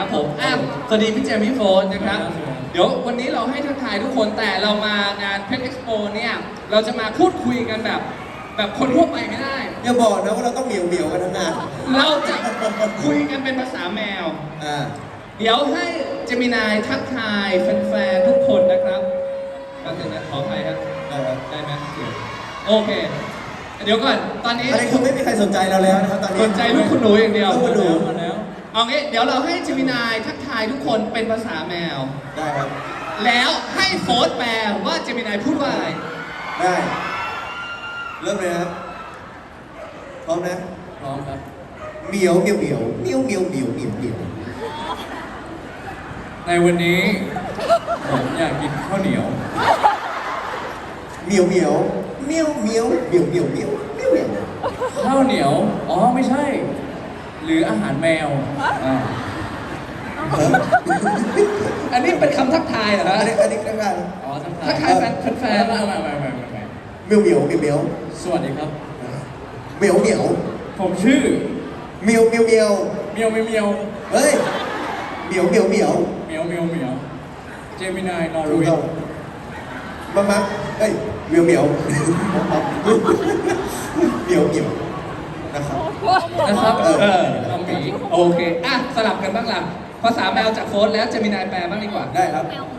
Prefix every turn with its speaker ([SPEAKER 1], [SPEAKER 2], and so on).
[SPEAKER 1] ผมสวัสดีพี่เจมี่โฟนนะครับ เดี๋ยววันนี้เราให้ทักทายทุกคนแต่เรามางานเพชรเอ็กซ์โปเนี่ยเราจะมาพูดคุยกันแบบคนทั่วไปไม่ได้
[SPEAKER 2] อย่าบอกนะว่าเราต้องเหมียวกันทั้งงาน
[SPEAKER 1] เราจะคุยกันเป็นภาษาแมว เดี๋ยวให้เจมินายทักทายแฟนๆทุกคนนะครับก็ถึงนะขออภัยครับได้ไหมโอเค เดี๋ยวก่อนตอนนี้
[SPEAKER 2] อันนี้คือไม่มีใครสนใจเราแล้วนะครับตอนนี้
[SPEAKER 1] สนใจลูกคุณหนูอย่างเดียว
[SPEAKER 2] ลูกคุณหนู
[SPEAKER 1] มาแล้วเอางี้เดี๋ยวเราให้เจมินายทักทายทุกคนเป็นภาษาแมว
[SPEAKER 2] ได้ครับ
[SPEAKER 1] แล้วให้โฟร์แปลว่าเจมินายพูดว่าอะไร
[SPEAKER 2] ได้เริ่มเลยนะครับพร้อมนะ
[SPEAKER 1] พร้อมครับ
[SPEAKER 2] เหมียวเหมียวเหมียวเหมียวเหมียวเหมียวเหมียวเหมียว
[SPEAKER 3] ในวันนี้ผมอยากกินข้าวเหนียว
[SPEAKER 2] เหมียวเหมียวเหมียวเหมียวเหมียวเหมียวเหมียวเหมียวเหมียว
[SPEAKER 3] ข้าวเหนียว อ๋อไม่ใช่ หรืออาหารแมว
[SPEAKER 1] อันนี้เป็นคำทักทายเหรอฮะ
[SPEAKER 2] อันนี้กันกัน
[SPEAKER 3] อ๋อทัก
[SPEAKER 1] ทักทายแฟน
[SPEAKER 3] ไม่
[SPEAKER 2] เหมียวเหมียวเหมียวเหมียว
[SPEAKER 3] สวัสดีครับ
[SPEAKER 2] เหมียวเหมียว
[SPEAKER 3] ผมชื่อ
[SPEAKER 2] เหมียวเหมียวเหมียว
[SPEAKER 3] เมียวเมียว
[SPEAKER 2] เฮ้ยเหมียวเหมียวเหมียว
[SPEAKER 3] เมียวเมียวเมียวเจมินายนอร์
[SPEAKER 2] ถูก
[SPEAKER 3] เว
[SPEAKER 2] ต้อง
[SPEAKER 3] ย์
[SPEAKER 2] มาเฮ้ยเหมียวเหมียวเหมียวเหมียวนะครับ
[SPEAKER 3] นะครับ
[SPEAKER 1] น้องหมีโอเคสลับกันบ้างล่ะภาษาแมวจากโฟร์แล้วเจมินายแปลบ้างดีกว่า
[SPEAKER 2] ได้ครับ
[SPEAKER 4] แมว